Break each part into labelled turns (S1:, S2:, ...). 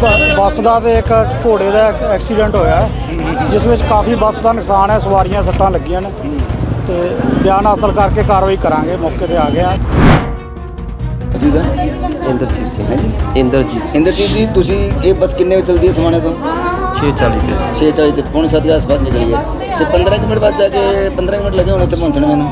S1: ਬੱਸ ਦਾ ਤੇ ਇੱਕ ਘੋੜੇ ਦਾ ਐਕਸੀਡੈਂਟ ਹੋਇਆ ਜਿਸ ਵਿੱਚ ਕਾਫੀ ਬੱਸ ਦਾ ਨੁਕਸਾਨ ਹੈ, ਸਵਾਰੀਆਂ ਸੱਟਾਂ ਲੱਗੀਆਂ ਨੇ ਤੇ ਬਿਆਨ ਹਾਸਲ ਕਰਕੇ ਕਾਰਵਾਈ ਕਰਾਂਗੇ। ਮੌਕੇ ਤੇ ਆ ਗਿਆ
S2: ਜੀ ਦਾ
S3: ਇੰਦਰਜੀਤ ਸਿੰਘ
S2: ਹਾਂਜੀ।
S3: ਇੰਦਰਜੀਤ
S2: ਜੀ ਤੁਸੀਂ ਇਹ ਬੱਸ ਕਿੰਨੇ ਵਜੇ ਚਲਦੀ ਹੈ ਸਮਾਣੇ ਤੋਂ
S3: 6:40 ਤੇ
S2: 6:40 ਤੇ ਪੌਣੇ 7 ਦੇ ਆਸ-ਪਾਸ ਨਿਕਲੀ ਹੈ ਤੇ 15 ਕੁ ਮਿੰਟ ਬਾਅਦ ਜਾ ਕੇ 15 ਕੁ ਮਿੰਟ ਲੱਗੇ ਹੁਣ ਉੱਥੇ ਪਹੁੰਚਣ ਮੈਨੂੰ।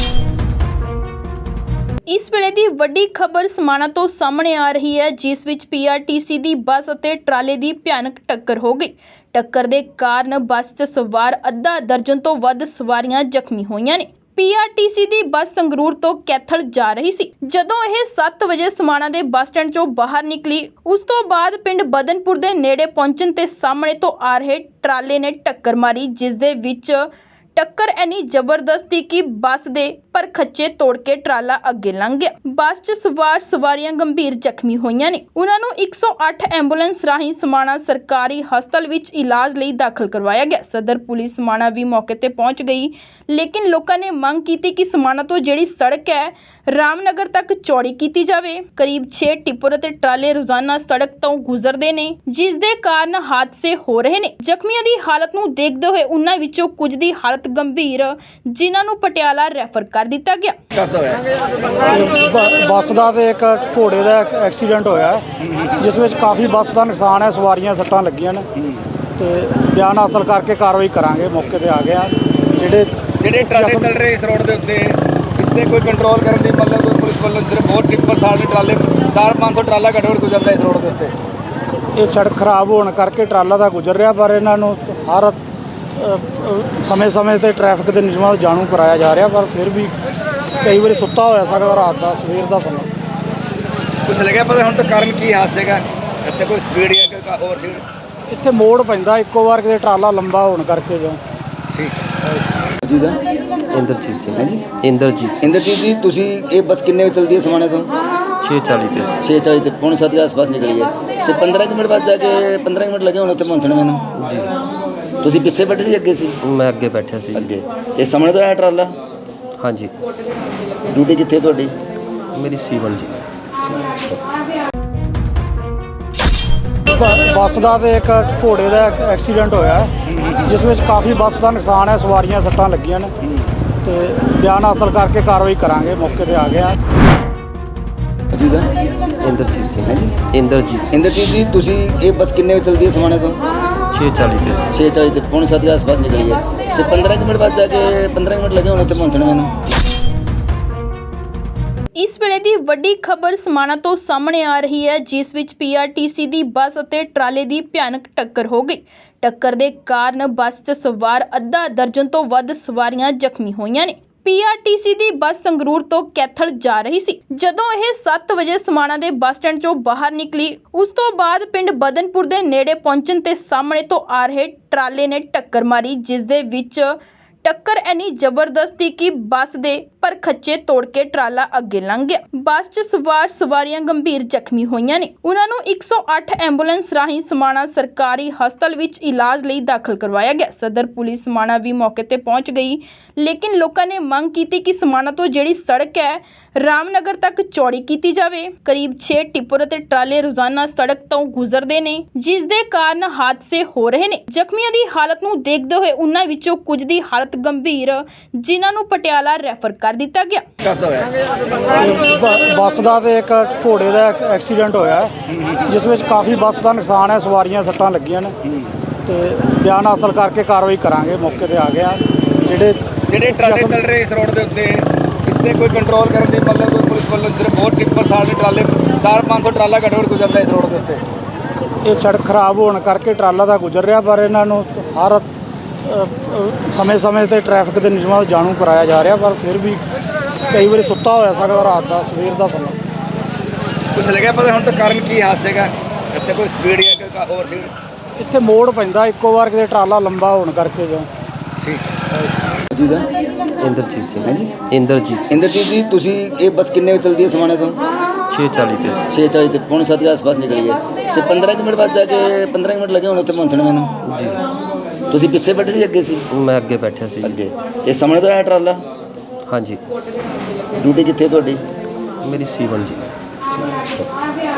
S4: ਇਸ ਵੇਲੇ ਦੀ ਵੱਡੀ ਖਬਰ ਸਮਾਣਾ ਤੋਂ ਸਾਹਮਣੇ ਆ ਰਹੀ ਹੈ, ਜਿਸ ਵਿੱਚ ਪੀਆਰਟੀਸੀ ਦੀ ਬੱਸ ਅਤੇ ਟਰਾਲੇ ਦੀ ਭਿਆਨਕ ਟੱਕਰ ਹੋ ਗਈ। ਟੱਕਰ ਦੇ ਕਾਰਨ ਬੱਸ 'ਚ ਸਵਾਰ ਅੱਧਾ ਦਰਜਨ ਤੋਂ ਵੱਧ ਸਵਾਰੀਆਂ ਜ਼ਖਮੀ ਹੋਈਆਂ ਨੇ। ਪੀਆਰਟੀਸੀ ਦੀ ਬੱਸ ਸੰਗਰੂਰ ਤੋਂ ਕੈਥਲ ਜਾ ਰਹੀ ਸੀ। ਜਦੋਂ ਇਹ 7 ਵਜੇ ਸਮਾਣਾ ਦੇ ਬੱਸ ਸਟੈਂਡ 'ਚੋਂ ਬਾਹਰ ਨਿਕਲੀ, ਉਸ ਤੋਂ ਬਾਅਦ ਪਿੰਡ ਬਦਨਪੁਰ ਦੇ ਨੇੜੇ ਪਹੁੰਚਣ ਤੇ ਸਾਹਮਣੇ ਤੋਂ ਆ ਰਹੇ ਟਰਾਲੇ ਨੇ ਟੱਕਰ ਮਾਰੀ, ਜਿਸ ਦੇ ਵਿੱਚ ਟੱਕਰ ਇੰਨੀ ਜ਼ਬਰਦਸਤ ਸੀ ਕਿ ਬੱਸ ਦੇ ਪਰਖੱਚੇ ਤੋੜ ਕੇ ਟਰਾਲਾ ਅੱਗੇ ਲੰਘ ਗਿਆ। ਬੱਸ 'ਚ ਸਵਾਰ ਸਵਾਰੀਆਂ ਗੰਭੀਰ ਜ਼ਖਮੀ ਹੋਈਆਂ ਨੇ। ਉਹਨਾਂ ਨੂੰ 108 ਐਂਬੂਲੈਂਸ ਰਾਹੀਂ ਸਮਾਣਾ ਸਰਕਾਰੀ ਹਸਪਤਾਲ ਵਿੱਚ ਇਲਾਜ ਲਈ ਦਾਖਲ ਕਰਵਾਇਆ ਗਿਆ। ਸਦਰ ਪੁਲਿਸ ਸਮਾਣਾ ਵੀ ਮੌਕੇ ਤੇ ਪਹੁੰਚ ਗਈ, ਲੇਕਿਨ ਲੋਕਾਂ ਨੇ ਮੰਗ ਕੀਤੀ ਕਿ ਸਮਾਣਾ ਤੋਂ ਜਿਹੜੀ ਸੜਕ ਹੈ ਰਾਮਨਗਰ ਤੱਕ ਚੌੜੀ ਕੀਤੀ ਜਾਵੇ। ਕਰੀਬ 6 ਟਿੱਪਰ ਅਤੇ ਟਰਾਲੇ ਰੋਜ਼ਾਨਾ ਸੜਕ ਤੋਂ ਗੁਜ਼ਰਦੇ ਨੇ, ਜਿਸ ਦੇ ਕਾਰਨ ਹਾਦਸੇ ਹੋ ਰਹੇ ਨੇ। ਜ਼ਖਮੀਆਂ ਦੀ ਹਾਲਤ ਨੂੰ ਦੇਖਦੇ ਹੋਏ ਉਹਨਾਂ ਵਿੱਚੋਂ ਕੁਝ ਦੀ ਹਾਲਤ ਗੰਭੀਰ, ਜਿਨ੍ਹਾਂ ਨੂੰ ਪਟਿਆਲਾ ਰੈਫਰ ਕਰ ਦਿੱਤਾ ਗਿਆ।
S1: ਬੱਸ ਦਾ ਤੇ ਇੱਕ ਘੋੜੇ ਦਾ ਐਕਸੀਡੈਂਟ ਹੋਇਆ ਜਿਸ ਵਿੱਚ ਕਾਫੀ ਬੱਸ ਦਾ ਨੁਕਸਾਨ ਹੈ, ਸਵਾਰੀਆਂ ਸੱਟਾਂ ਲੱਗੀਆਂ ਨੇ ਤੇ ਬਿਆਨ ਹਾਸਲ ਕਰਕੇ ਕਾਰਵਾਈ ਕਰਾਂਗੇ। ਮੌਕੇ ਤੇ ਆ ਗਿਆ। ਜਿਹੜੇ
S5: ਟਰਾਲੇ ਚੱਲ ਰਹੇ ਇਸ ਰੋਡ ਦੇ ਉੱਤੇ, ਇਸ ਤੇ ਕੋਈ ਕੰਟਰੋਲ ਕਰਨ ਦੀ ਮਤਲਬ ਕੋਈ ਪੁਲਿਸ ਵੱਲੋਂ ਸਿਰਫ ਬਹੁਤ ਟਿੱਪਰ ਸਾਡੇ ਟਰਾਲੇ 400-500 ਟਰਾਲਾ ਘੱਟੋ ਘੱਟ ਗੁਜ਼ਰਦਾ ਇਸ ਰੋਡ ਦੇ ਉੱਤੇ।
S1: ਇਹ ਸੜਕ ਖਰਾਬ ਹੋਣ ਕਰਕੇ ਟਰਾਲਾ ਦਾ ਗੁਜ਼ਰ ਰਿਹਾ, ਪਰ ਇਹਨਾਂ ਨੂੰ ਹਰ ਸਮੇਂ ਤੇ ਟ੍ਰੈਫਿਕ ਦੇ ਨਿਯਮਾਂ ਨੂੰ ਜਾਣੂ ਕਰਾਇਆ ਜਾ ਰਿਹਾ, ਪਰ ਫਿਰ ਵੀ ਕਈ ਵਾਰੀ ਸੁੱਤਾ ਹੋਇਆ ਸਕਦਾ ਰਾਤ ਦਾ, ਸਵੇਰ ਦਾ ਸਮਾਂ।
S5: ਕੁਛ ਲੱਗਿਆ ਪਤਾ ਹੁਣ ਤਾਂ ਕਾਰਨ ਕੀ ਹਾਦਸੇ ਦਾ? ਇੱਥੇ ਕੋਈ ਸਪੀਡ ਜਾਂ ਕੋਈ ਹੋਰ ਸਪੀਡ?
S1: ਇੱਥੇ ਮੋੜ ਪੈਂਦਾ ਇੱਕੋ ਵਾਰ, ਕਿਤੇ ਟਰਾਲਾ ਲੰਬਾ ਹੋਣ ਕਰਕੇ ਜਾਂ
S5: ਠੀਕ
S2: ਜੀ ਦਾ
S3: ਇੰਦਰਜੀਤ ਸਿੰਘ
S2: ਹਾਂਜੀ।
S3: ਇੰਦਰਜੀਤ
S2: ਜੀ ਤੁਸੀਂ ਇਹ ਬੱਸ ਕਿੰਨੇ ਵਜੇ ਚਲਦੀ ਹੈ ਸਮਾਣੇ ਤੋਂ
S3: 6:40 ਤੇ
S2: 6:40 ਤੇ ਪੌਣੇ 7 ਦੇ ਆਸ-ਪਾਸ ਨਿਕਲੀ ਹੈ ਤੇ 15 ਕੁ ਮਿੰਟ ਬਾਅਦ ਜਾ ਕੇ 15 ਕੁ ਮਿੰਟ ਲੱਗੇ ਹੁਣ ਉੱਥੇ ਪਹੁੰਚਣ ਮੈਨੂੰ।
S3: ਜੀ
S2: ਤੁਸੀਂ ਪਿੱਛੇ ਬੈਠੇ ਸੀ ਅੱਗੇ ਸੀ?
S3: ਮੈਂ ਅੱਗੇ ਬੈਠਿਆ ਸੀ।
S2: ਅੱਗੇ। ਇਹ ਸਾਹਮਣੇ ਤੋਂ ਆਇਆ ਟਰਾਲਾ?
S3: ਹਾਂਜੀ,
S2: ਡਿਊਟੀ ਕਿੱਥੇ ਤੁਹਾਡੀ?
S3: ਮੇਰੀ ਸੀਵਨ ਜੀ।
S1: ਬੱਸ ਦਾ ਤੇ ਇੱਕ ਘੋੜੇ ਦਾ ਐਕਸੀਡੈਂਟ ਹੋਇਆ ਜਿਸ ਵਿੱਚ ਕਾਫੀ ਬੱਸ ਦਾ ਨੁਕਸਾਨ ਹੈ, ਸਵਾਰੀਆਂ ਸੱਟਾਂ ਲੱਗੀਆਂ ਨੇ ਤੇ ਬਿਆਨ ਹਾਸਲ ਕਰਕੇ ਕਾਰਵਾਈ ਕਰਾਂਗੇ। ਮੌਕੇ ਤੇ ਆ ਗਿਆ
S2: ਜੀ ਦਾ
S3: ਇੰਦਰਜੀਤ ਸਿੰਘ
S2: ਹਾਂਜੀ।
S3: ਇੰਦਰਜੀਤ
S2: ਜੀ ਤੁਸੀਂ ਇਹ ਬੱਸ ਕਿੰਨੇ ਵਜੇ ਚਲਦੀ ਹੈ ਸਮਾਣੇ ਤੋਂ
S3: 6:40 ਤੇ
S2: 6:40 ਤੇ ਪੌਣੇ 7 ਦੇ ਆਸ-ਪਾਸ ਨਿਕਲੀ ਹੈ ਤੇ 15 ਕੁ ਮਿੰਟ ਬਾਅਦ ਜਾ ਕੇ 15 ਕੁ ਮਿੰਟ ਲੱਗੇ ਹੁਣ ਉੱਥੇ ਪਹੁੰਚਣ ਮੈਨੂੰ।
S4: ਇਸ ਵੇਲੇ ਦੀ ਵੱਡੀ ਖਬਰ ਸਮਾਣਾ ਤੋਂ ਸਾਹਮਣੇ ਆ ਰਹੀ ਹੈ, ਜਿਸ ਵਿੱਚ ਪੀਆਰਟੀਸੀ ਦੀ ਬੱਸ ਅਤੇ ਟਰਾਲੇ ਦੀ ਭਿਆਨਕ ਟੱਕਰ ਹੋ ਗਈ। ਟੱਕਰ ਦੇ ਕਾਰਨ ਬੱਸ 'ਚ ਸਵਾਰ ਅੱਧਾ ਦਰਜਨ ਤੋਂ ਵੱਧ ਸਵਾਰੀਆਂ ਜ਼ਖਮੀ ਹੋਈਆਂ ਨੇ। ਪੀਆਰਟੀਸੀ ਦੀ ਬੱਸ ਸੰਗਰੂਰ ਤੋਂ ਕੈਥਲ ਜਾ ਰਹੀ ਸੀ। ਜਦੋਂ ਇਹ 7 ਵਜੇ ਸਮਾਣਾ ਦੇ ਬੱਸ ਸਟੈਂਡ 'ਚੋਂ ਬਾਹਰ ਨਿਕਲੀ, ਉਸ ਤੋਂ ਬਾਅਦ ਪਿੰਡ ਬਦਨਪੁਰ ਦੇ ਨੇੜੇ ਪਹੁੰਚਣ ਤੇ ਸਾਹਮਣੇ ਤੋਂ ਆ ਰਹੇ ਟਰਾਲੇ ਨੇ ਟੱਕਰ ਮਾਰੀ, ਜਿਸ ਦੇ ਵਿੱਚ ਟੱਕਰ ਇੰਨੀ ਜ਼ਬਰਦਸਤ ਸੀ ਕਿ ਬੱਸ ਦੇ ਪਰਖੱਚੇ ਤੋੜ ਕੇ ਟਰਾਲਾ ਅੱਗੇ ਲੰਘ ਗਿਆ। ਬੱਸ 'ਚ ਸਵਾਰ ਸਵਾਰੀਆਂ ਗੰਭੀਰ ਜ਼ਖਮੀ ਹੋਈਆਂ ਨੇ। ਉਹਨਾਂ ਨੂੰ 108 ਐਂਬੂਲੈਂਸ ਰਾਹੀਂ ਸਮਾਣਾ ਸਰਕਾਰੀ ਹਸਪਤਾਲ ਵਿੱਚ ਇਲਾਜ ਲਈ ਦਾਖਲ ਕਰਵਾਇਆ ਗਿਆ। ਸਦਰ ਪੁਲਿਸ ਸਮਾਣਾ ਵੀ ਮੌਕੇ ਤੇ ਪਹੁੰਚ ਗਈ, ਲੇਕਿਨ ਲੋਕਾਂ ਨੇ ਮੰਗ ਕੀਤੀ ਕਿ ਸਮਾਣਾ ਤੋਂ ਜਿਹੜੀ ਸੜਕ ਹੈ ਰਾਮਨਗਰ ਤੱਕ ਚੌੜੀ ਕੀਤੀ ਜਾਵੇ। ਕਰੀਬ 6 ਟਿੱਪਰ ਅਤੇ ਟਰਾਲੇ ਰੋਜ਼ਾਨਾ ਸੜਕ ਤੋਂ ਗੁਜ਼ਰਦੇ ਨੇ, ਜਿਸ ਦੇ ਕਾਰਨ ਹਾਦਸੇ ਹੋ ਰਹੇ ਨੇ। ਜ਼ਖਮੀਆਂ ਦੀ ਹਾਲਤ ਨੂੰ ਦੇਖਦੇ ਹੋਏ ਉਹਨਾਂ ਵਿੱਚੋਂ ਕੁਝ ਦੀ ਹਾਲਤ ਗੰਭੀਰ, ਜਿਨ੍ਹਾਂ ਨੂੰ ਪਟਿਆਲਾ ਰੈਫਰ ਕਰ ਦਿੱਤਾ ਗਿਆ।
S1: ਬੱਸ ਦਾ ਤੇ ਇੱਕ ਘੋੜੇ ਦਾ ਐਕਸੀਡੈਂਟ ਹੋਇਆ ਜਿਸ ਵਿੱਚ ਕਾਫੀ ਬੱਸ ਦਾ ਨੁਕਸਾਨ ਹੈ, ਸਵਾਰੀਆਂ ਸੱਟਾਂ ਲੱਗੀਆਂ ਨੇ ਤੇ ਬਿਆਨ ਹਾਸਲ ਕਰਕੇ ਕਾਰਵਾਈ ਕਰਾਂਗੇ। ਮੌਕੇ ਤੇ ਆ ਗਿਆ।
S5: ਜਿਹੜੇ ਟਰਾਲੇ ਚੱਲ ਰਹੇ ਇਸ ਰੋਡ ਦੇ ਉੱਤੇ, ਇਸ ਤੇ ਕੋਈ ਕੰਟਰੋਲ ਕਰਨ ਦੀ ਮਤਲਬ ਕੋਈ ਪੁਲਿਸ ਵੱਲੋਂ ਸਿਰਫ ਬਹੁਤ ਟਿੱਪਰ ਸਾਡੇ ਟਰਾਲੇ 400-500 ਟਰਾਲਾ ਘੱਟੋ ਘੱਟ ਗੁਜ਼ਰਦਾ ਇਸ ਰੋਡ ਦੇ ਉੱਤੇ।
S1: ਇਹ ਸੜਕ ਖਰਾਬ ਹੋਣ ਕਰਕੇ ਟਰਾਲਾ ਦਾ ਗੁਜ਼ਰ ਰਿਹਾ, ਪਰ ਇਹਨਾਂ ਨੂੰ ਹਰ ਸਮੇਂ ਤੇ ਟ੍ਰੈਫਿਕ ਦੇ ਨਿਯਮਾਂ ਨੂੰ ਜਾਣੂ ਕਰਾਇਆ ਜਾ ਰਿਹਾ, ਪਰ ਫਿਰ ਵੀ ਕਈ ਵਾਰੀ ਸੁੱਤਾ ਹੋਇਆ ਸਕਦਾ ਰਾਤ ਦਾ, ਸਵੇਰ ਦਾ ਸਮਾਂ।
S5: ਕੁਛ ਲੱਗਿਆ ਪਤਾ ਹੁਣ ਤਾਂ ਕਾਰਨ ਕੀ ਹਾਦਸੇ ਦਾ? ਇੱਥੇ ਕੋਈ ਸਪੀਡ ਜਾਂ ਕੋਈ ਹੋਰ ਸਪੀਡ?
S1: ਇੱਥੇ ਮੋੜ ਪੈਂਦਾ ਇੱਕੋ ਵਾਰ, ਕਿਤੇ ਟਰਾਲਾ ਲੰਬਾ ਹੋਣ ਕਰਕੇ ਜਾਂ
S5: ਠੀਕ
S2: ਜੀ ਦਾ
S3: ਇੰਦਰਜੀਤ ਸਿੰਘ
S2: ਹਾਂਜੀ।
S3: ਇੰਦਰਜੀਤ
S2: ਜੀ ਤੁਸੀਂ ਇਹ ਬੱਸ ਕਿੰਨੇ ਵਜੇ ਚਲਦੀ ਹੈ ਸਮਾਣੇ ਤੋਂ
S3: 6:40 ਤੇ
S2: 6:40 ਤੇ ਪੌਣੇ 7 ਦੇ ਆਸ-ਪਾਸ ਨਿਕਲੀ ਹੈ ਤੇ 15 ਕੁ ਮਿੰਟ ਬਾਅਦ ਜਾ ਕੇ 15 ਕੁ ਮਿੰਟ ਲੱਗੇ ਹੁਣ ਉੱਥੇ ਪਹੁੰਚਣ ਮੈਨੂੰ।
S3: ਜੀ,
S2: ਤੁਸੀਂ ਪਿੱਛੇ ਬੈਠੇ ਸੀ ਅੱਗੇ ਸੀ?
S3: ਮੈਂ ਅੱਗੇ ਬੈਠਿਆ ਸੀ।
S2: ਅੱਗੇ। ਇਹ ਸਾਹਮਣੇ ਤੋਂ ਆਇਆ ਟਰਾਲਾ?
S3: ਹਾਂਜੀ,
S2: ਡਿਊਟੀ ਕਿੱਥੇ ਤੁਹਾਡੀ?
S3: ਮੇਰੀ ਸੀਵਨ ਜੀ।